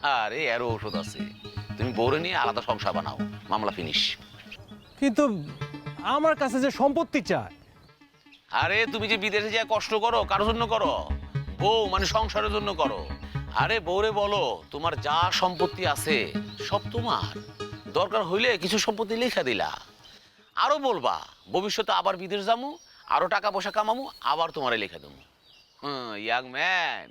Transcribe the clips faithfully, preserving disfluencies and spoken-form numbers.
আরে এরও ওষুধ আছে, তুমি বউরে নিয়ে আলাদা সংসার বানাও, মামলা ফিনিশ। কিন্তু আমার কাছে যে সম্পত্তি চায়। আরে তুমি যে বিদেশে যা কষ্ট করো কারোর জন্য করো? বউ মানে সংসারের জন্য করো। আরে বউরে বলো তোমার যা সম্পত্তি আছে সব তোমার, দরকার হইলে কিছু সম্পত্তি লেখা দিলা। আরো বলবা ভবিষ্যতে আবার বিদেশ যামু, আরো টাকা পয়সা কামামু, আবার তোমারে লেখা দেবো। হুম, ইয়াং ম্যান,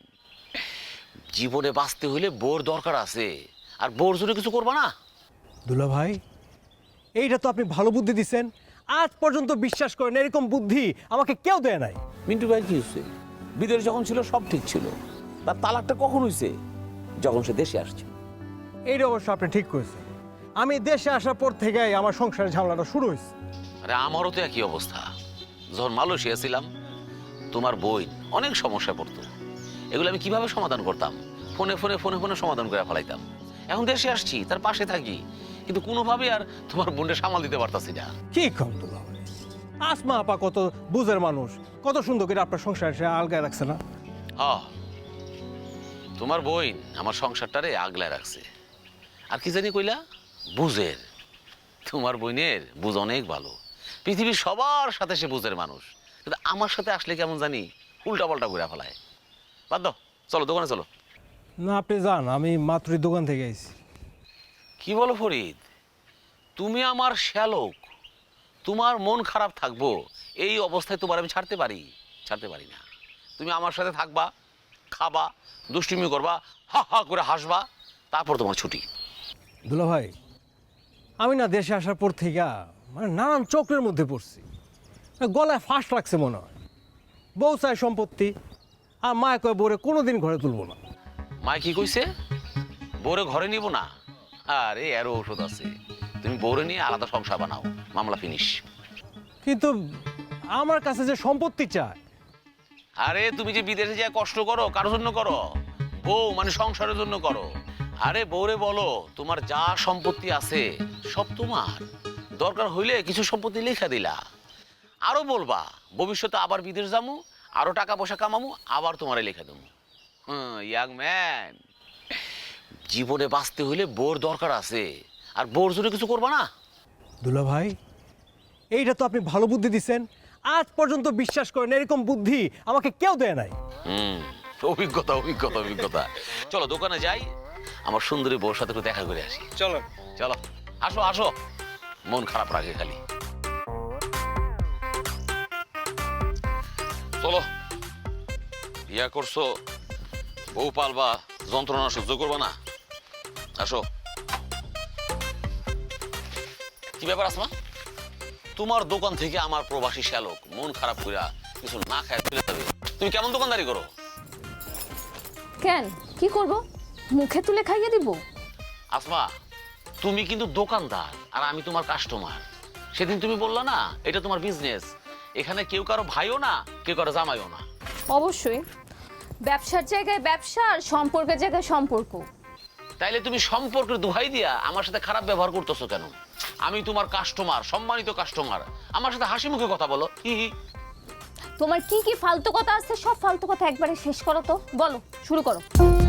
জীবনে বাঁচতে হইলে বউর দরকার আছে, আর বউর জন্য কিছু করবা না? দুলা ভাই, এইটা তো আপনি ভালো বুদ্ধি দিচ্ছেন। আজ পর্যন্ত বিশ্বাস করেন এরকম বুদ্ধি আমাকে কেউ দেয় নাই। মিন্টু ভাই কি হচ্ছে? বিদেশ যখন ছিল সব ঠিক ছিল, তার তালাকটা কখন হয়েছে? যখন সে দেশে আসছে। এইটা অবশ্য আপনি ঠিক করেছেন। আমি দেশে আসার পর থেকেই আমার সংসারের ঝামেলাটা শুরু হয়েছে। আরে আমারও তো একই অবস্থা। যখন মালয়েশিয়া ছিলাম তোমার বই অনেক সমস্যা পড়তো, এগুলো আমি কিভাবে সমাধান করতাম? ফোনে ফোনে ফোনে ফোনে সমাধান করে ফেলাইতাম। এখন দেশে আসছি, তার পাশে থাকি, কিন্তু কোনোভাবে আর তোমার বোনটা সামাল দিতে পারতাছি না। কি কম দুলা ভাই, আসমা আপা কত বুঝের মানুষ, কত সুন্দর করে আপনার সংসার সে আলগায় রাখছে না? হ্যাঁ, তোমার বইন আমার সংসারটারে আগলায় রাখছে। আর কি জানি কইলা? বুঝের। তোমার বইনের বুঝ অনেক ভালো, পৃথিবীর সবার সাথে সে বুঝের মানুষ, কিন্তু আমার সাথে আসলে কেমন জানি উল্টা পাল্টা ঘুরে ফেলায়। বাদ দাও, চলো দোকানে চলো। না আপনি যান, আমি মাত্রই দোকান থেকে আইছি। কি বলো ফরিদ, তুমি আমার শ্যালক, তোমার মন খারাপ থাকবো এই অবস্থায় তোমার আমি ছাড়তে পারি? ছাড়তে পারি না। তুমি আমার সাথে থাকবা, খাবা, দুষ্টুমি করবা, হা হা করে হাসবা, তারপর তোমার ছুটি। দুলা ভাই, আমি না দেশে আসার পর থেকে মানে নানান চক্রের মধ্যে পড়ছি। গলায় ফাঁস লাগছে মনে হয়। বউ চায় সম্পত্তি, আর মা কয় বউরে কোনোদিন ঘরে তুলবো না। মায় কি কইছে? বউরে ঘরে নিব না? আরে এরও ওষুধ আছে, তুমি বউরে নিয়ে আলাদা সংসার বানাও, মামলা ফিনিশ। কিন্তু আমার কাছে যে সম্পত্তি চায়। আরে তুমি যে বিদেশে যা কষ্ট করো কারোর জন্য করো? বউ মানে সংসারের জন্য করো। আরে বউরে বলো তোমার যা সম্পত্তি আছে সব তোমার, দরকার হইলে কিছু সম্পত্তি লেখা দিলা। আরো বলবা ভবিষ্যতে আবার বিদেশ যামু, আরো টাকা পয়সা কামামু, আবার তোমারে লেখা দেবো। হুম, ইয়াং ম্যান, জীবনে বাঁচতে হইলে বউর দরকার আছে, আর বউর জন্য কিছু করবা না? দুলা ভাই, এইটা তো আপনি ভালো বুদ্ধি দিচ্ছেন। আজ পর্যন্ত বিশ্বাস করেন এরকম বুদ্ধি আমাকে কেউ দেয় নাই। হুম, অভিজ্ঞতা অভিজ্ঞতা অভিজ্ঞতা। চলো দোকানে যাই, আমার সুন্দরী বউর সাথে একটু দেখা করে আসি। চলো চলো, আসো আসো, মন খারাপ রাখে খালি। চলো, বিয়া করছো, বউ পালবা, যন্ত্রণা সহ্য করবা না? আসো। কি ব্যাপার আসমা, তোমার দোকান থেকে আমার প্রবাসী শ্যালক মন খারাপ কইরা কিছু না খায় চলে যাবে, তুমি কেমন দোকানদারি করো? কেন, কি করব? মুখে তুলে খাইয়ে দিব? আসমা, তুমি কিন্তু দোকানদার আর আমি তোমার কাস্টমার। সেদিন তুমি বললা না এটা তোমার বিজনেস, এখানে কেউ কারো ভাইও না, কেউ কারো জামাইও না। অবশ্যই, ব্যবসার জায়গায় ব্যবসা আর সম্পর্কের জায়গায় সম্পর্ক। তাইলে তুমি সম্পর্কের দোহাই দিয়া আমার সাথে খারাপ ব্যবহার করতেছো কেন? আমি তোমার কাস্টমার, সম্মানিত কাস্টমার, আমার সাথে হাসি মুখে কথা বলো। হি হি। তোমার কি কি ফালতু কথা আছে সব ফালতু কথা একবারে শেষ করো তো, বলো, শুরু করো।